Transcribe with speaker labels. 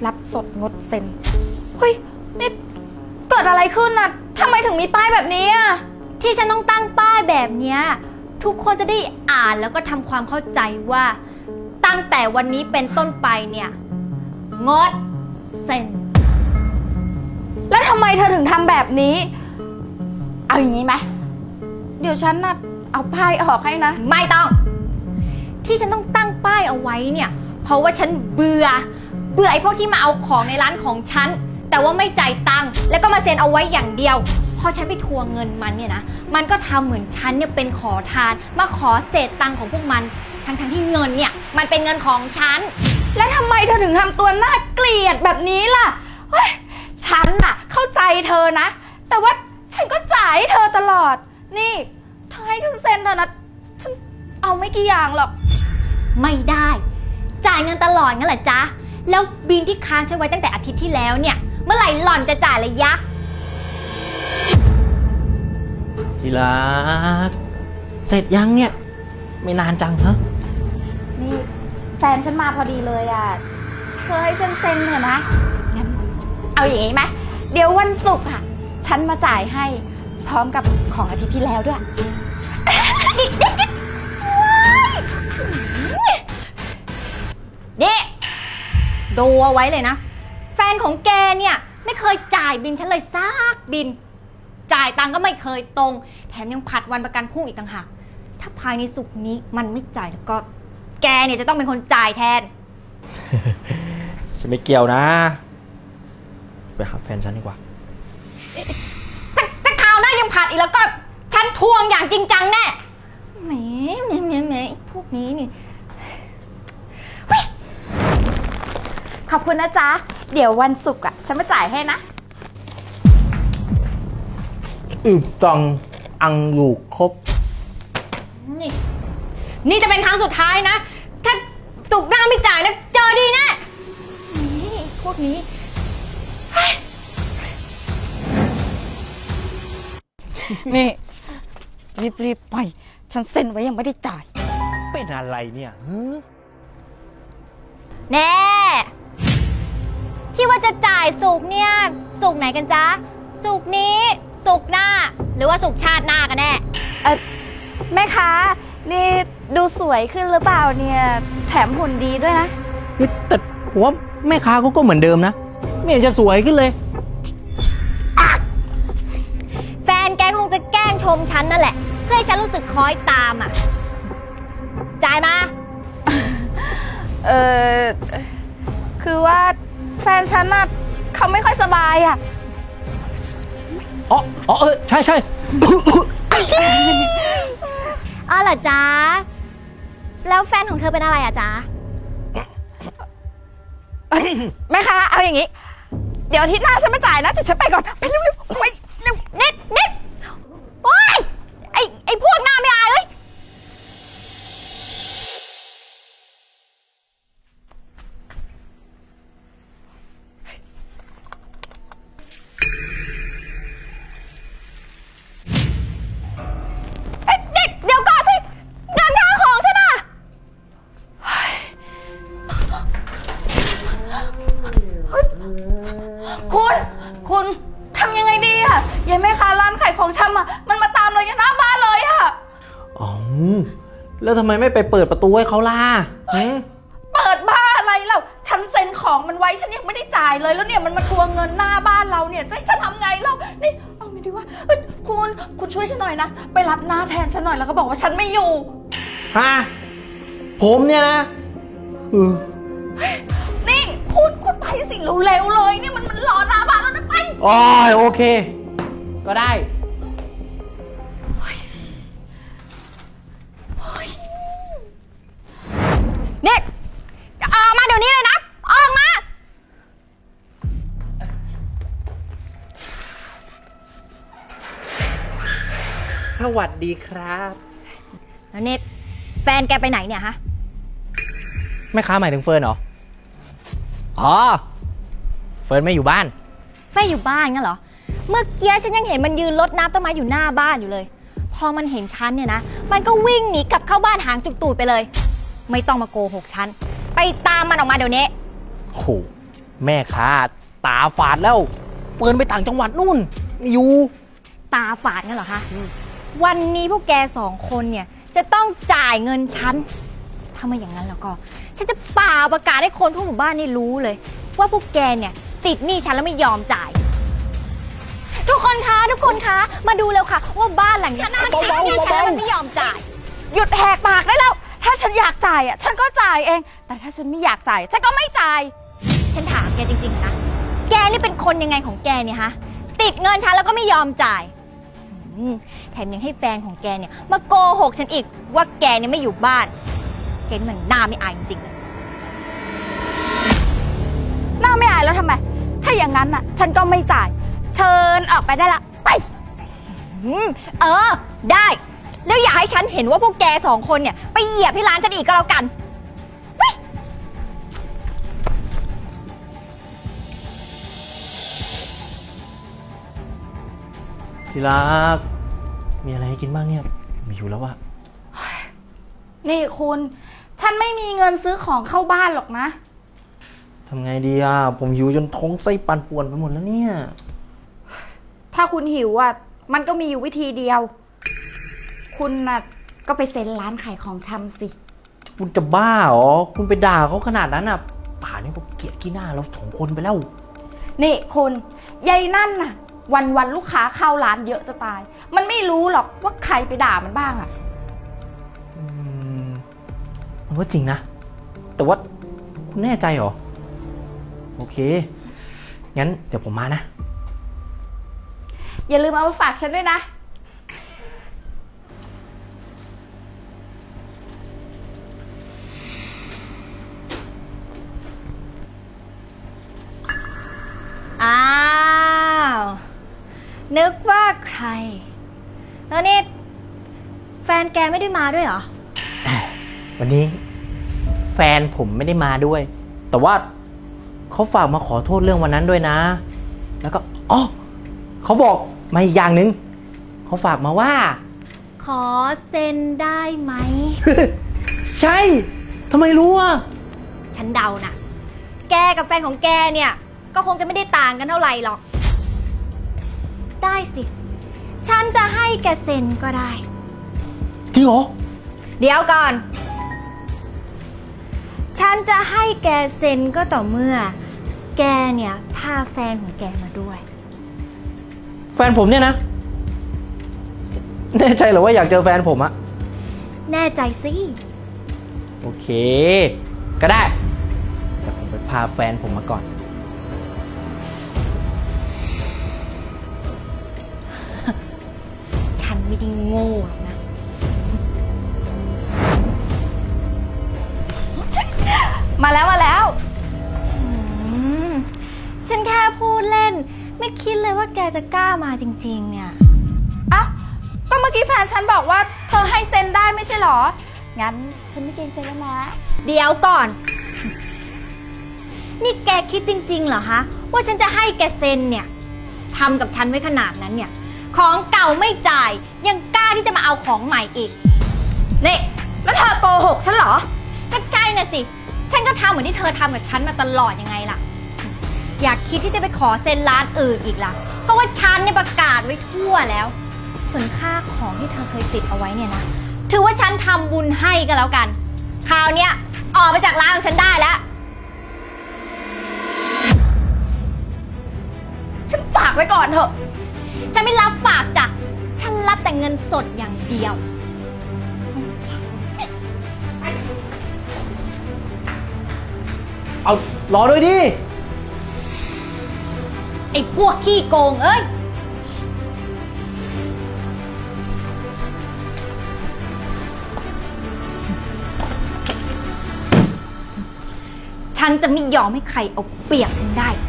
Speaker 1: รับสดงดเซ็นเฮ้ยนี่เกิดอะไรขึ้นน่ะทำไมถึงมีป้ายแบบนี้อ่ะ
Speaker 2: ที่ฉันต้องตั้งป้ายแบบเนี้ยทุกคนจะได้อ่านแล้วก็ทำความเข้าใจว่าตั้งแต่วันนี้เป็นต้นไปเนี่ยงดเซ็น
Speaker 1: แล้วทำไมเธอถึงทำแบบนี้เอาอย่างนี้ไหมเดี๋ยวฉันน่ะเอาป้ายออกให้นะ
Speaker 2: ไม่ต้องที่ฉันต้องตั้งป้ายเอาไว้เนี่ยเพราะว่าฉันเบื่อไอ้พวกที่มาเอาของในร้านของฉันแต่ว่าไม่จ่ายตังค์แล้วก็มาเซ็นเอาไว้อย่างเดียวพอฉันไปทวงเงินมันเนี่ยนะมันก็ทำเหมือนฉันเนี่ยเป็นขอทานมาขอเศษตังค์ของพวกมันทั้งที่เงินเนี่ยมันเป็นเงินของฉัน
Speaker 1: และทำไมเธอถึงทำตัวน่าเกลียดแบบนี้ล่ะเฮ้ยฉันน่ะเข้าใจเธอนะแต่ว่าฉันก็จ่ายให้เธอตลอดนี่เธอให้ฉันเซ็นเถอะนะฉันเอาไม่กี่อย่างหรอก
Speaker 2: ไม่ได้จ่ายเงินตลอดงั้นเหรอจ๊ะแล้วบินที่ค้างฉันไว้ตั้งแต่อาทิตย์ที่แล้วเนี่ยเมื่อไหร่หล่อนจะจ่ายเลยยะ
Speaker 3: ทีรักเสร็จยังเนี่ยไม่นานจังฮะ
Speaker 1: นี่แฟนฉันมาพอดีเลยอ่ะเธอให้ฉันเซ็นเถอะนะงั้นเอาอย่างนี้ไหมเดี๋ยววันศุกร์ค่ะฉันมาจ่ายให้พร้อมกับของอาทิตย์ที่แล้วด้วย
Speaker 2: นี่ดูเอาไว้เลยนะแฟนของแกเนี่ยไม่เคยจ่ายบินฉันเลยซักบินจ่ายตังก็ไม่เคยตรงแถมยังผัดวันประกันพรุ่งอีกต่างหากถ้าภายในศุกร์นี้มันไม่จ่ายแล้วก็แกเนี่ยจะต้องเป็นคนจ่ายแทน
Speaker 3: ฉันไม่เกี่ยวนะไปหาแฟนฉันดีกว่า
Speaker 2: ถ้าคราวหน้ายังผัดอีกแล้วก็ฉันทวงอย่างจริงจังแน่แหมพวกนี้นี่
Speaker 1: ขอบคุณนะจ๊ะเดี๋ยววันศุกร์อ่ะฉันมาจ่ายให้นะ
Speaker 3: ตังอังลูกครบ
Speaker 2: นี่จะเป็นครั้งสุดท้ายนะถ้าศุกร์หน้าไม่จ่ายนะเจอดีแน่นี่พวกนี้
Speaker 1: นี่รีบไปฉันเซ็นไว้ยังไม่ได้จ่าย
Speaker 3: เป็นอะไรเนี่ย
Speaker 2: แน่ที่ว่าจะจ่ายศุกร์เนี่ยศุกร์ไหนกันจ๊ะศุกร์นี้ศุกร์หน้าหรือว่าศุกร์ชาติหน้ากันแน่
Speaker 1: แม่ค้านี่ดูสวยขึ้นหรือเปล่าเนี่ยแถมหุ่นดีด้วยนะ
Speaker 3: แต่ผมว่าแม่ค้าเขาก็เหมือนเดิมนะไม่เห็นจะสวยขึ้นเลย
Speaker 2: แฟนแกคงจะแกล้งชมฉันนั่นแหละเพื่อให้ฉันรู้สึกคล้อยตามอ่ะจ่ายมา
Speaker 1: คือว่าแฟนฉันน่ะเขาไม่ค่อยสบายอ่ะ
Speaker 3: ใช่
Speaker 2: อ๋อเหรอจ๊ะแล้วแฟนของเธอเป็นอะไรอ่ะจ๊ะ
Speaker 1: แม่ค้าเอาอย่างนี้เดี๋ยวอาทิตย์หน้าฉันมาจ่ายนะแต่ฉันไปก่อนไปเร็วๆไปเร็ว
Speaker 2: นิดโอ๊ยไอ้พวกหน้าไม่อายเอ้ยเดี๋ยวก่อนสิเงินค่าของฉันน่ะ
Speaker 1: คุณทำยังไงดีอะยายแม่ค้าร้านขายของชำอะมันมาตามเราอยู่หน้าบ้านเลยอะ
Speaker 3: แล้วทำไมไม่ไปเปิดประตูให้เขาล่ะ
Speaker 1: เปิดบ้านอะไรเราฉันเซ็นของมันไว้ฉันยังไม่ได้จ่ายเลยแล้วเนี่ยมันมาทวงเงินหน้าบ้านเราเนี่ยจะให้ฉันทำไงเรานี่เอาไม่ดีว่าคุณช่วยฉันหน่อยนะไปรับหน้าแทนฉันหน่อยแล้วก็บอกว่าฉันไม่อยู่
Speaker 3: ผมเนี่ยนะ
Speaker 1: นี่คุณไปสิเร็วๆเลยเนี่ยมันรอหน้าบ้านแล้วนะไป
Speaker 3: โอเคก็ได้
Speaker 2: นี่ออกมาเดี๋ยวนี้เลยนะออกมา
Speaker 3: สวัสดีครับ
Speaker 2: แล้วนี่แฟนแกไปไหนเนี่ยฮะ
Speaker 3: แม่ค้าหมายถึงเฟิร์นเหรอเฟิร์นไม่อยู่บ้าน
Speaker 2: ไม่อยู่บ้านงั้นเหรอเมื่อกี้ฉันยังเห็นมันยืนรดน้ำต้นไม้อยู่หน้าบ้านอยู่เลยพอมันเห็นฉันเนี่ยนะมันก็วิ่งหนีกลับเข้าบ้านหางจุกตูดไปเลยไม่ต้องมาโกหกฉันไปตามมันออกมาเดี๋ยวนี้
Speaker 3: โหแม่ค้าตาฝาดแล้วเฟิร์นไปต่างจังหวัดนู่นไม่อยู่
Speaker 2: ตาฝาดงั้นเหรอคะ วันนี้พวกแกสองคนเนี่ยจะต้องจ่ายเงินฉัน ถ้าไม่อย่างนั้นแล้วก็ ฉันจะเป่าประกาศให้คนทั่วหมู่บ้านนี่รู้เลย ว่าพวกแกเนี่ยติดหนี้ฉันแล้วไม่ยอมจ่าย ทุกคนคะ มาดูเร็วค่ะ ว่าบ้านหลังเนี้ยมันติดหนี้ฉันแล้วมันไม่ยอมจ่าย
Speaker 1: หยุดแหกปากได้แล้ว ถ้าฉันอยากจ่ายอ่ะฉันก็จ่ายเอง แต่ถ้าฉันไม่อยากจ่ายฉันก็ไม่จ่าย
Speaker 2: ฉันถามแกจริงๆนะ แกนี่เป็นคนยังไงของแกเนี่ยฮะ ติดเงินฉันแล้วก็ไม่ยอมจ่ายแถมยังให้แฟนของแกเนี่ยมาโกหกฉันอีกว่าแกเนี่ยไม่อยู่บ้าน แกนี่มันหน้าไม่อายจริงๆเลย
Speaker 1: หน้าไม่อายแล้วทำไม ถ้าอย่างนั้นน่ะ ฉันก็ไม่จ่าย เชิญออกไปได้ละ ไป
Speaker 2: ได้ แล้วอย่าให้ฉันเห็นว่าพวกแกสองคนเนี่ยไปเหยียบที่ร้านฉันอีกก็แล้วกัน
Speaker 3: ที่รักมีอะไรให้กินบ้างเนี่ยมีอยู่แล้วอะ
Speaker 1: นี่คุณ ฉันไม่มีเงินซื้อของเข้าบ้านหรอกนะ
Speaker 3: ทำไงดีอะผมหิวจนท้องไส้ปั่นป่วนไปหมดแล้วเนี่ย
Speaker 1: ถ้าคุณหิวอ่ะ มันก็มีอยู่วิธีเดียว คุณน่ะก็ไปเซ็นร้านขายของชำสิ
Speaker 3: คุณจะบ้าเหรอคุณไปด่าเขาขนาดนั้นอะป่านนี้ผมเกลียดขี้หน้าเราสองคนไปแล้ว
Speaker 1: นี่คุณยายนั่นน่ะ วันลูกค้าเข้าร้านเยอะจะตาย มันไม่รู้หรอกว่าใครไปด่ามันบ้างอ่ะ
Speaker 3: มันก็จริงนะ แต่ว่าคุณแน่ใจเหรอ โอเค งั้นเดี๋ยวผมมานะ
Speaker 1: อย่าลืมเอามาฝากฉันด้วยนะ
Speaker 2: อ้าว นึกว่าใคร แล้วนี่แฟนแกไม่ได้มาด้วยเหรอ
Speaker 3: วันนี้แฟนผมไม่ได้มาด้วย แต่ว่าเขาฝากมาขอโทษเรื่องวันนั้นด้วยนะ แล้วก็อ๋อเขาบอกมาอีกอย่างหนึ่งเขาฝากมาว่า
Speaker 2: ขอเซ็นได้ไหม
Speaker 3: ใช่ทำไมรู้อ่ะ
Speaker 2: ฉันเดานะแกกับแฟนของแกเนี่ย ก็คงจะไม่ได้ต่างกันเท่าไหร่หรอก ได้สิ ฉันจะให้แกเซ็นก็ได้
Speaker 3: จริงเหรอ
Speaker 2: เดี๋ยวก่อน ฉันจะให้แกเซ็นก็ต่อเมื่อ แกเนี่ยพาแฟนของแกมาด้วย
Speaker 3: แฟนผมเนี่ยนะ แน่ใจเหรอว่าอยากเจอแฟนผมอะ
Speaker 2: แน่ใจสิ
Speaker 3: โอเค ก็ได้แต่ผมไปพาแฟนผมมาก่อน
Speaker 2: ฉันไม่ได้โง่หรอกนะ
Speaker 1: มาแล้ว
Speaker 2: ฉันแค่พูดเล่น ไม่คิดเลยว่าแกจะกล้ามาจริงๆเนี่ย
Speaker 1: เอ้าก็เมื่อกี้แฟนฉันบอกว่าเธอให้เซ็นได้ไม่ใช่หรอ งั้นฉันไม่เกรงใจแล้วนะ
Speaker 2: เดี๋ยวก่อน นี่แกคิดจริงๆเหรอฮะ ว่าฉันจะให้แกเซ็นเนี่ยทำกับฉันไว้ขนาดนั้นเนี่ย ของเก่าไม่จ่าย ยังกล้าที่จะมาเอาของใหม่อีก
Speaker 1: นี่ แล้วเธอโกหกฉันเหรอ
Speaker 2: ก็ใช่น่ะสิ ฉันก็ทำเหมือนที่เธอทำกับฉันมาตลอดยังไงล่ะ อยากคิดที่จะไปขอเซ็นร้านอื่นอีกล่ะ เพราะว่าฉันเนี่ยประกาศไว้ทั่วแล้ว ส่วนค่าของที่เธอเคยติดเอาไว้เนี่ยนะ ถือว่าฉันทำบุญให้ก็แล้วกัน คราวเนี้ยออกไปจากร้านของฉันได้แล้ว
Speaker 1: ฉันฝากไว้ก่อนเถอะ
Speaker 2: ฉันไม่รับฝากจ้ะ ฉันรับแต่เงินสดอย่างเดียว
Speaker 3: เอารอด้วยดิ
Speaker 2: ไอ้พวกขี้โกงเอ้ย ฉันจะไม่ยอมให้ใครเอาเปรียบฉันได้